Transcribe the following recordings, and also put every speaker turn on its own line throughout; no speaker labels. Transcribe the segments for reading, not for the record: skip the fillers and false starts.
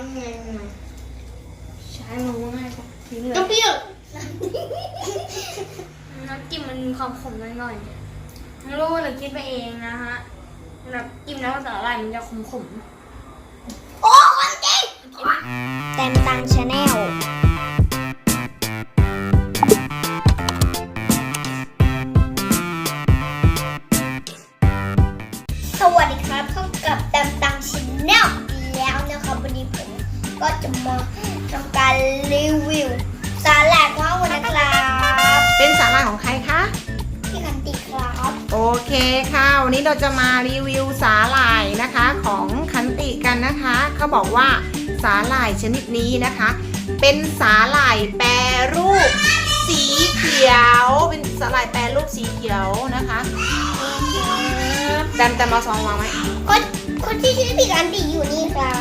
ไงใช้มันง่ายกว่าทิ้งเลย
ก็เปรี้ยว
น้ำจิ้มมันมีความขมหน่อยๆไม่รู้หรือคิดไปเองนะฮะน้ำจิ้มน้ำสาหร่ายมันจะขม
โอ้ความจริง
แตมตังชาแนล
สวัสดีครับพบกับแตมตังชาแนลแล้วนะครับวันนี้ผมก็จะมาทำการรีวิวสาหร่ายของเรานะครับ
เป็นสาหร่ายของใครคะ
พี่คันติครับ
โอเคค่ะวันนี้เราจะมารีวิวสาหร่ายนะคะของคันติกันนะคะเขาบอกว่าสาหร่ายชนิดนี้นะคะ เป็นสาหร่ายแปรรูปสีเขียวเป็นสาหร่ายแปรรูปสีเขียวนะคะแต่มาซองวางไหม
คนที่ชื่อพี่คันติอยู่นี่ครับ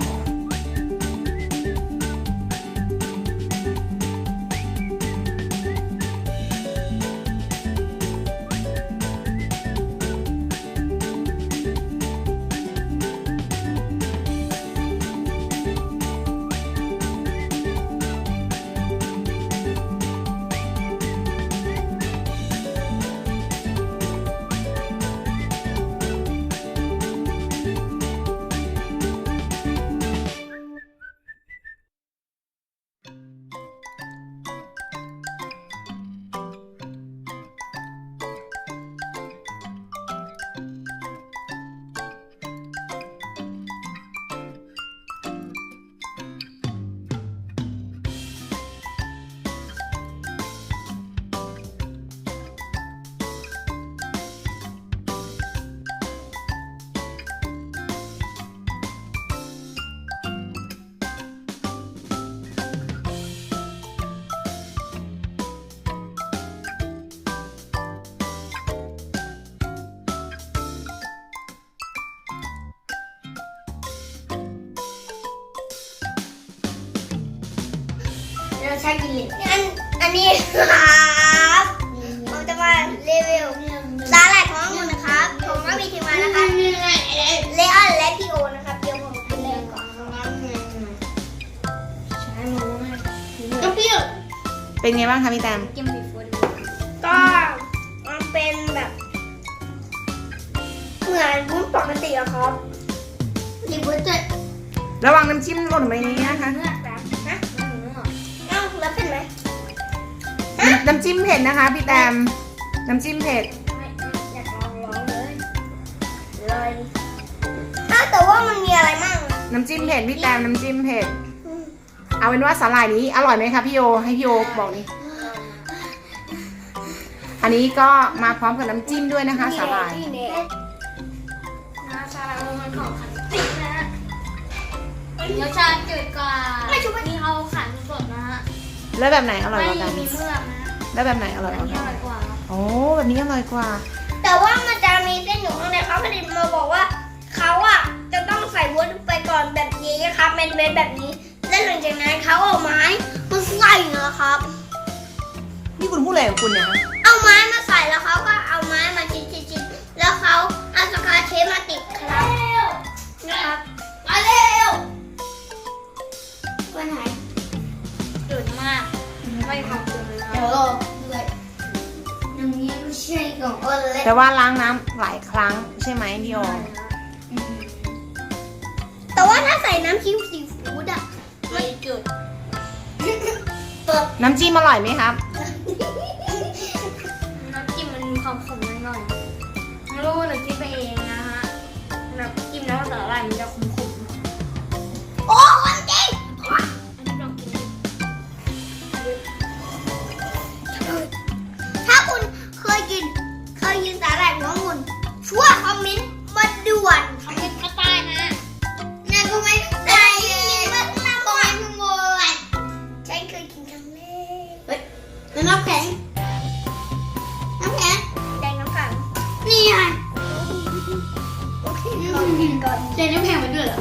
เราใช้กินเลย
อันนี้ครับผมจะมารีวิวสาหร่ายของเรานะครับผมก็มีทีมงานนะครับเลออนและพี่โอนะครับเดี๋ยวผมกินเลยก่อน
ใช้มันง่ายกว่าทิ้งเลย
ก็เปรี้ยว
เป็นไงบ้างคะพี่แตม
จิ้มซีฟู้ด
ก็มันเป็นแบบเหมือนวุ้นปกติอะครับรีวุ้นจะ
ระวังน้ำจิ้มหล่นไปนี้นะคะ
เนื้อแบบนะเนื้อ
เอ้าแล้วเป็นไหม
น้ำจิ้มเผ็ดนะคะพี่แตมน้ำจิ้มเผ็ด
ไม่อยากลองเลยเลย
อ้าวแต่ว่ามันมีอะไรมั่ง
น้ำจิ้มเผ็ดพี่แตมน้ำจิ้มเผ็ดเอาเป็นว่าสาหร่ายนี้อร่อยไหมคะพี่โยให้พี่โยบอกนี่อันนี้ก็มาพร้อมกับน้ำจิ้มด้วยนะคะสาหร่าย
น้ำซาลามันของขันตินะฮะรสชาติจืดกว่าที่เขาขันสดนะฮะ
แล้วแบบไหนอร่อย
ไม่
กว่ากัน
มีเมือกนะฮะ
แล้วแบบไหนอร่อย
อั
ก
น
ว่า
นี้
กั
อน ร่อยกว่า
โอ้แบบนี้อร่อยกว่า
แต่ว่ามันจะมีเส้นอยู่ข้างในเขาผลิตมาบอกว่าเขาอะจะต้องใส่วุ้นไปก่อนแบบนี้ครับเป็นเวทแบบนี้แล้วหลังจากนั้นเขาเอาไม้มาใส่นะครับ
นี่คุณพูดอะไรของคุณเนี่ยคะ
เอาไม้มาใส่แล้วเขาก็เอาไม้มาชิ้นๆแล้วเขาเอาสกาเทปมาติดครับนะครับมาเร็ววันไหน
จืดมากไม่มีความจืดเลยนะ
เดี๋ยวรอด้วยน้ำนี้ไม่ใช่ของอ้นเล็ก
แต่ว่าล้างน้ำหลายครั้งใช่ไหมพี่โย
แต่ว่าถ้าใส่น้ำจิ้มซีฟู้ดอะ
ไม่จืด
น้ำจิ้มอร่อยไหมครับ
น้ำจิ้มมันมีความขมหน่อยๆไม่รู้หรือคิดไปเองนะฮะน้ำจิ้มน้ำสาหร่ายมันจะขมๆ
โอ้ความจริง
อันนี้ลองกินดิ
ถ้าคุณเคยกินสาหร่ายหัวหมุนช่วยคอมเมนต์มาด่วน
คอมเมนต์ข้างใต้นะฮะ
นั่นก็ไม่ได้มาทำอะไรหมดฉันเคยกินครั้งแรกเฮ้ยน้ำแข็งแดงน้ำแข็งนี่ไงโอเคขอกินก่อน
เจนน้ำแข็งมันด้วยเหรอ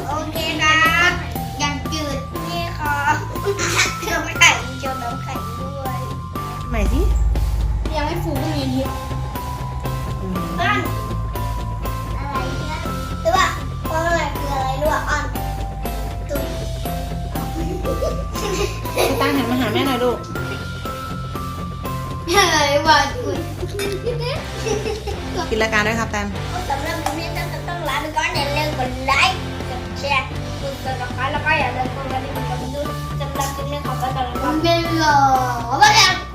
อะไรวะคุณ
ปิดรายการด้วยครับแตม
สำหรับวันนี้ต้องลาไปก่อนอย่าลืมกดไลค์กดแชร์กดติดตามแล้วก็อย่าลืมกดกระดิ่งกดดูสำหรับคลิปนี้ขอบคุณสำหรับ
เป็นหรอว่าแล้ว